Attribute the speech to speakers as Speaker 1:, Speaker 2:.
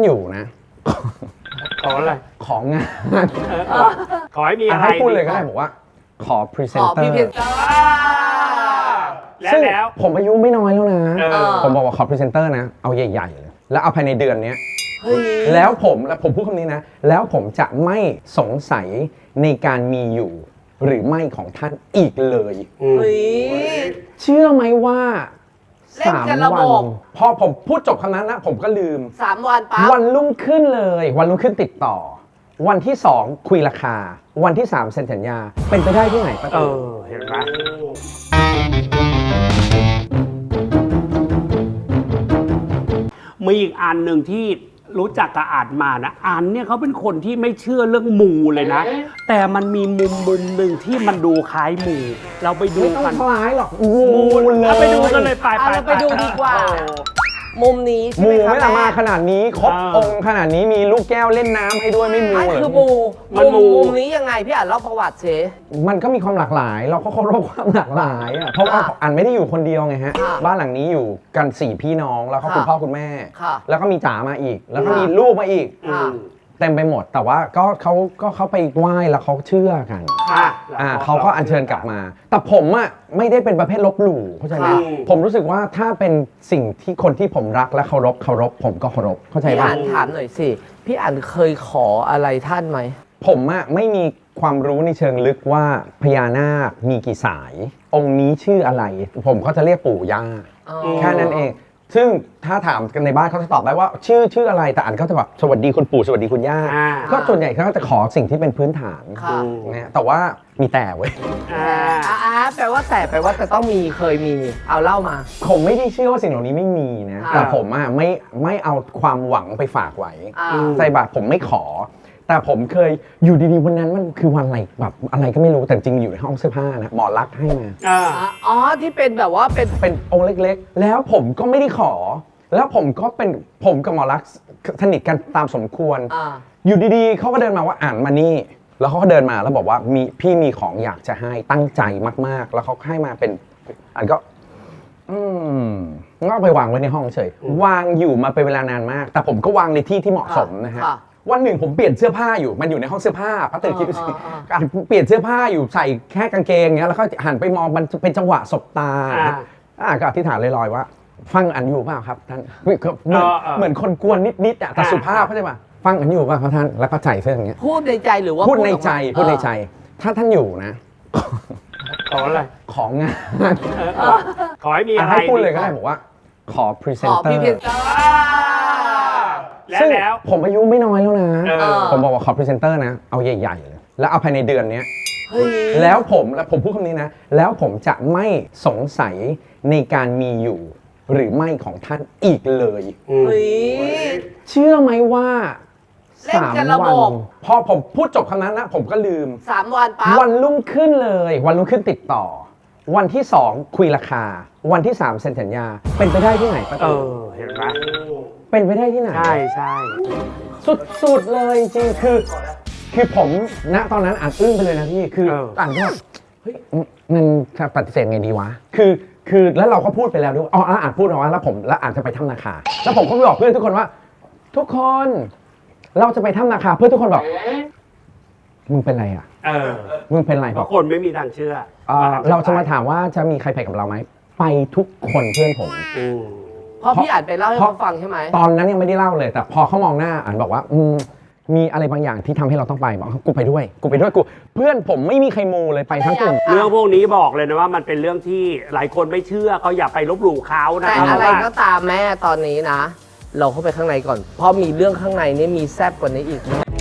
Speaker 1: อยู่นะ
Speaker 2: ขออะไร
Speaker 1: ของงาน
Speaker 2: ขอให้มีอะไร
Speaker 1: ให้พูดเลยก็ได้บอกว่าขอพรีเซนเตอร์ ซึ่ง
Speaker 2: แล้ว
Speaker 1: ผมอายุไม่น้อยแล้วนะ
Speaker 2: เออ
Speaker 1: ผมบอกว่าขอพรีเซนเตอร์นะเอาใหญ่ๆเลยแล้วเอาภายในเดือนนี้
Speaker 3: เฮ้ย
Speaker 1: แล้วผมพูดคำนี้นะแล้วผมจะไม่สงสัยในการมีอยู่หรือไม่ของท่านอีกเลย
Speaker 3: เฮ้ย
Speaker 1: เชื่อไหมว่า
Speaker 3: เล่นกันระบบ
Speaker 1: พอผมพูดจบคำนั้นนะผมก็ลืม
Speaker 3: 3 วันปั๊บ
Speaker 1: วันรุ่งขึ้นเลย วันรุ่งขึ้นติดต่อ วันที่ 2 คุยราคา วันที่ 3 เซ็นสัญญา เป็นไปได้ที่ไหนป้าตู่
Speaker 2: เห็นไหมมีอีกอันหนึ่งที่รู้จักกับอ่านมานะอันเนี่ยเขาเป็นคนที่ไม่เชื่อเรื่องมูเลยนะ แต่มันมีมุมหนึ่งที่มันดูคล้ายมูเราไปดู
Speaker 1: ไม่ต้อง
Speaker 2: กัน
Speaker 1: คล้ายหรอกมู
Speaker 2: เลย ไปดูกันเลยไป
Speaker 3: เราไปดูดีกว่า มุมนี้ใช่
Speaker 1: มู
Speaker 3: ไหมคะ
Speaker 1: ไม่ละมา
Speaker 3: แม่
Speaker 1: ขนาดนี้ครบองค์ขนาดนี้มีลูกแก้วเล่นน้ำให้ด้วยไม่มู
Speaker 3: อัน
Speaker 1: เหร
Speaker 3: คือ
Speaker 1: อ
Speaker 3: มู
Speaker 2: มันมู
Speaker 3: มุมนี้ยังไงพี่อ่านเล่าประวัติเช
Speaker 1: มันก็มีความหลากหลาย เราก็เคารพความหลากหลายอ่ะเพราะว่าอันไม่ได้อยู่คนเดียวไงฮะ
Speaker 3: ค่ะ
Speaker 1: บ้านหลังนี้อยู่กัน4พี่น้องแล้วก็คุณ
Speaker 3: ค่ะ
Speaker 1: พ่อคุณแม่
Speaker 3: ค่ะ
Speaker 1: แล้วก็มีจ๋ามาอีก แล้วก็
Speaker 3: ค่ะ
Speaker 1: มีลูกมาอีก
Speaker 3: ค่ะ
Speaker 1: เต็มไปหมด แต่ว่าก็เขาไปไหว้แล้วเขาเชื่อกัน
Speaker 2: ค่ะ
Speaker 1: เขาก็อัญเชิญกลับมา แต่ผมอ่ะไม่ได้เป็นประเภทลบหลู่เข้าใจไหม
Speaker 3: ค่ะ
Speaker 1: ผมรู้สึกว่าถ้าเป็นสิ่งที่คนที่ผมรักและเคารพผมก็เคารพเข้าใจ
Speaker 3: พี่
Speaker 1: ป่ะ
Speaker 3: อ่านถามหน่อยสิพี่อ่านเคยขออะไรท่านไหม
Speaker 1: ผมอะไม่มีความรู้ในเชิงลึกว่าพญานาคมีกี่สาย องค์นี้ชื่ออะไร ผมก็จะเรียกปู่ย่า
Speaker 3: อ๋อ
Speaker 1: แค่นั้นเอง ซึ่งถ้าถามกันในบ้านเขาจะตอบได้ว่าชื่ออะไรแต่อันเขาจะแบบสวัสดีคุณปู่สวัสดีคุณย่า
Speaker 2: อ่า
Speaker 1: ก็ส่วนใหญ่เขาก็จะขอสิ่งที่เป็นพื้นฐาน
Speaker 3: ค่ะ
Speaker 1: นะแต่ว่ามีแต่เว้ย
Speaker 3: แปลว่าแปลว่าจะต้องมีเคยมีเอาเล่ามา
Speaker 1: ผมไม่ได้เชื่อว่าสิ่งเหล่านี้ไม่มีนะ
Speaker 3: อ่า
Speaker 1: แต่ผมอะไม่เอาความหวังไปฝากไว้
Speaker 3: อ่า
Speaker 1: ใส่บาตรผมไม่ขอ แต่ผมเคยอยู่ดีๆวันนั้นมันคือวันอะไรแบบอะไรก็ไม่รู้แต่จริงอยู่ในห้องเสื้อผ้านะหมอรักษณ์ให้มา
Speaker 3: อ๋อที่เป็นแบบว่าเป็น
Speaker 1: องค์เล็กๆ แล้วผมก็ไม่ได้ขอ แล้วผมกับหมอรักษณ์สนิทกันตามสมควร อยู่ดีๆเขาก็เดินมาว่าอ่านมานี่ แล้วเขาก็เดินมาแล้วบอกว่าพี่มีของอยากจะให้ตั้งใจมากๆ แล้วเขาให้มาเป็นอันก็ก็ไปวางไว้ในห้องเฉยวางอยู่มาเป็นเวลานานมาก แต่ผมก็วางในที่ที่เหมาะสมนะฮะ
Speaker 3: ค่ะ
Speaker 1: วันหนึ่งผมเปลี่ยนเสื้อผ้าอยู่มันอยู่ในห้องเสื้อผ้าพัตเตอร์คิดดูสิ
Speaker 3: อ่า
Speaker 1: เปลี่ยนเสื้อผ้าอยู่ใส่แค่กางเกงเงี้ยแล้วก็หันไปมองมันเป็นจังหวะสบตาก็อธิษฐานลอยๆว่า ฟังอันอยู่เปล่าครับท่านเหมือนคนกวนนิดๆแต่สุภาพเข้าใจป่ะฟังอันอยู่เปล่าครับท่านแล้วก็ใส่เสื้ออย่างเงี้ย
Speaker 3: พูดในใจหรือว่า
Speaker 1: พูดในใจ
Speaker 3: ออกมา
Speaker 1: พูดในใจ ถ้าท่านอยู่นะ
Speaker 2: ขออะไร
Speaker 1: ของงาน
Speaker 2: ขอให้มีอะไร
Speaker 1: ให้พูดเลยก็ได้บอกว่าขอพรีเซ
Speaker 3: ข
Speaker 1: น
Speaker 3: อ
Speaker 1: เตอ
Speaker 3: พี่
Speaker 1: ร์
Speaker 3: เพนเตอร์
Speaker 1: ซึ่ง
Speaker 2: แล้ว
Speaker 1: ผมอายุไม่น้อยแล้วนะ
Speaker 2: เออ
Speaker 1: ผมบอกว่าขอพรีเซนเตอร์นะเอาใหญ่ๆเลยแล้วเอาภายในเดือนนี้
Speaker 3: เฮ้ย
Speaker 1: แล้วผมพูดคำนี้นะแล้วผมจะไม่สงสัยในการมีอยู่หรือไม่ของท่านอีกเลย
Speaker 3: เฮ้ย
Speaker 1: เชื่อไหมว่า
Speaker 3: เล่นกันระบบ
Speaker 1: พอผมพูดจบคำนั้นนะผมก็ลืม
Speaker 3: 3 วันปั๊บ
Speaker 1: วันรุ่งขึ้นเลย วันรุ่งขึ้นติดต่อ วันที่ 2 คุยราคา วันที่ 3 เซ็นสัญญา เป็นไปได้ที่ไหนป้าตู่
Speaker 2: เห็นไหม
Speaker 1: เป็นไปได้ที่ไหน
Speaker 2: ใช่
Speaker 1: สุดๆเลยจริงๆคือผมณตอนนั้นอ่านอึ้งไปเลยนะพี่คืออ่านก็แบบเฮ้ยมันจะปฏิเสธไงดีวะคือแล้วเราก็พูดไปแล้วด้วยอ่านพูดเอาไว้แล้วอ่านจะไปถ้ำนาคาแล้วผมก็ไปบอกเพื่อนทุกคนว่า ทุกคนเราจะไปถ้ำนาคาเพื่อนทุกคนบอกมึงเป็นไรอ่ะมึงเป็นไร
Speaker 2: เพ
Speaker 1: บอก
Speaker 2: ราะคนไม่มีทางเชื่อ
Speaker 1: เราจะมาถามว่าจะมีใครไปกับเราไหมไปทุกคนเพื่อนผม
Speaker 3: เพราะพี่อ่านไปเล่าให้เขาฟังใช่ไหม
Speaker 1: ตอนนั้นยังไม่ได้เล่าเลย แต่พอเขามองหน้าอ่านบอกว่ามีอะไรบางอย่างที่ทำให้เราต้องไปบอกกูไปด้วยเพื่อนผมไม่มีใครมูเลยไปทั้งกลุ่ม
Speaker 2: เรื่องพวกนี้บอกเลยนะว่ามันเป็นเรื่องที่หลายคนไม่เชื่อเขาอย่าไปลบหลู่เขานะ
Speaker 3: แต่อะไรก็ตามแม่ตอนนี้นะ เราเข้าไปข้างในก่อน เพราะมีเรื่องข้างในนี่มีแซบกว่านี้อีก